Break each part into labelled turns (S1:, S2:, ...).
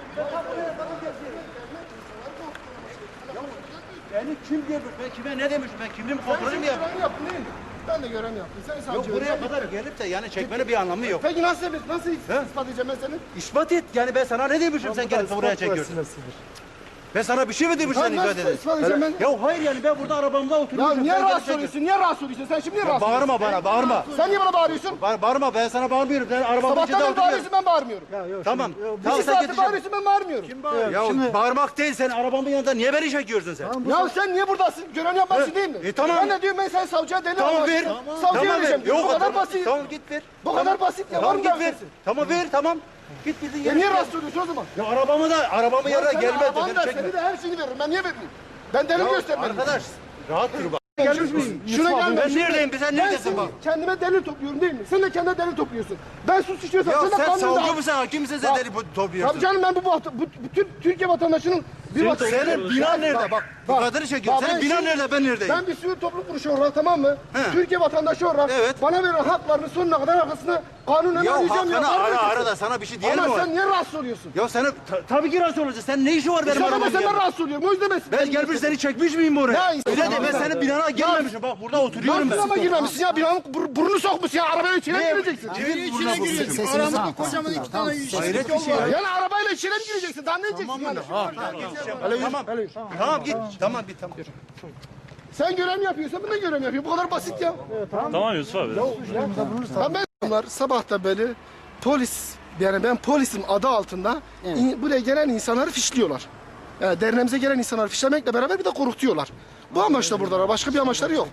S1: Beni kim diyor? Ben kime ne demiş? Ben kimliğim kontrolü mü yaptım?
S2: Görev yaptın değil mi? Ben de görev yaptım. Sen savcı.
S1: Yok buraya kadar gelip de yani çekmenin bir anlamı yok.
S2: Peki nasıl ispat edeceğim ben seni?
S1: İspat et. Yani ben sana ne demişim sen gelip buraya çekiyorsun? Ben sana bir şey mi demişim sen
S2: Nasıl
S1: ifade edin?
S2: ispat edeceğim ben?
S1: Ya hayır yani ben burada arabamda
S2: Ya
S1: oturuyorum.
S2: niye
S1: sen gelip
S2: rahatsız
S1: çekiyorsun.
S2: oluyorsun? Niye rahatsız oluyorsun? Sen şimdi niye rahatsız oluyorsun?
S1: Bağırma bana, bağırma.
S2: Sen niye bana bağırıyorsun?
S1: Bağırma, ben sana bağırmıyorum. Ben arabamın içinde
S2: Sabahtan beri
S1: oturuyorum.
S2: bağırıyorsun, ben bağırmıyorum.
S1: Tamam.
S2: İki
S1: Tamam sen
S2: saattir
S1: git.
S2: bağırıyorsun, ben bağırmıyorum.
S1: Ya bağırmak değil, sen arabamın yanında niye beni çekiyorsun sen?
S2: Ya sen niye buradasın? Görev yapmak değil mi?
S1: Tamam.
S2: Ben de diyorum ben sen savcıya deli
S1: Tamam
S2: olmak
S1: ver.
S2: istiyorum. Savcıya vereceğim.
S1: Yok,
S2: Bu kadar basit.
S1: Tamam git ver.
S2: Bu kadar basit ya. Var
S1: Tamam
S2: mı
S1: git
S2: daha
S1: ver.
S2: ötesi?
S1: Tamam ver, tamam. Git bildiğin
S2: Ya
S1: yere.
S2: niye rahatsız oluyorsun o zaman?
S1: Ya arabamın yanına
S2: Sen
S1: gelme.
S2: arabanı
S1: Beni
S2: da
S1: çekme.
S2: seni de her şeyini veririm. Ben niye vermeyeyim? Ben delil göstermedim.
S1: Arkadaş rahat dur bak.
S2: Gelmiş miyim? Şuna gelme.
S1: Ben neredeyim? Sen
S2: Ben
S1: neredesin
S2: senin
S1: bak?
S2: kendime delil topluyorum değil mi? Sen de kendine delil topluyorsun. Ben suç işliyorsam
S1: Ya
S2: sen de
S1: sen
S2: kanunda...
S1: savcı mısın, hakim misin sen deli topluyorsun?
S2: Tabii canım ben bütün Türkiye vatandaşının bir vatandaşı...
S1: Senin binan nerede? Bak bu kadını çekiyor. Senin binan nerede? Ben neredeyim?
S2: Ben bir sivil toplum kuruluşu olarak tamam mı?
S1: He.
S2: Türkiye vatandaşı olarak
S1: Evet.
S2: bana verilen haklarını sonuna kadar arkasına kanunen
S1: Ya
S2: arayacağım.
S1: hakkını
S2: Var mı
S1: ara
S2: ötesi?
S1: da sana bir şey diyelim mi?
S2: Ama sen niye rahatsız oluyorsun?
S1: Ya senin tabii ki rahatsız olacaksın. Sen ne işi var benim
S2: Sen de
S1: arabamın
S2: senden
S1: yanında?
S2: rahatsız oluyorum. O yüzden
S1: Ben gelmiş seni çekmiş miyim buraya?
S2: Ya
S1: Öyle de ben
S2: insan-
S1: senin binana girmemişim. Bak burada oturuyorum ben.
S2: Nasıl ama girmemişsin ya? Binanın burnunu sokmuşsun ya. Arabaya içine mi gireceksin?
S1: Kimin burnuna vurmuşum?
S3: Aramızda kocaman iki tane
S1: Hayret bir şey ya.
S2: Yani arabayla içine mi gireceksin? Daha ne edeceksin yani?
S1: Tamam git. Tamam git tamam.
S2: Sen görev mi yapıyorsan ben de görev yapıyorum. Bu kadar basit ya.
S4: Tamam Yusuf abi.
S2: Bunlar sabahta beri polis, yani ben polisim adı altında buraya gelen insanları fişliyorlar. Yani derneğimize gelen insanları fişlemekle beraber bir de korkutuyorlar. Bu amaçla buradalar. Başka bir amaçları yok.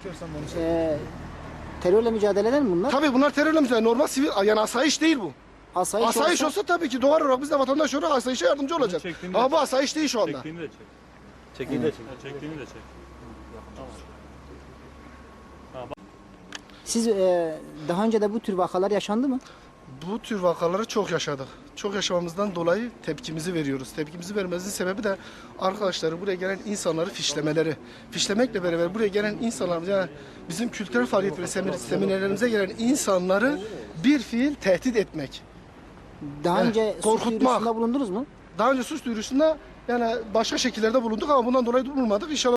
S3: Terörle mücadele mi bunlar?
S2: Tabii bunlar terörle mücadele. Normal sivil, yani asayiş değil bu. Asayiş olsa tabii ki doğal olarak biz de vatandaş olarak asayişe yardımcı olacağız. Ama bu asayiş değil şu anda.
S4: Çektiğini de çek.
S1: Çekil de çek.
S4: Çektiğini de çek.
S3: Siz daha önce de bu tür vakalar yaşandı mı?
S2: Bu tür vakaları çok yaşadık. Çok yaşamamızdan dolayı tepkimizi veriyoruz. Tepkimizi vermemizin sebebi de arkadaşları buraya gelen insanları fişlemeleri. Fişlemekle beraber buraya gelen insanlar, yani bizim kültürel faaliyet ve seminerlerimize gelen insanları bir fiil tehdit etmek.
S3: Daha önce suç
S2: korkutmak.
S3: duyurusunda bulundunuz mu?
S2: Daha önce suç duyurusunda yani başka şekillerde bulunduk ama bundan dolayı bulunmadık. İnşallah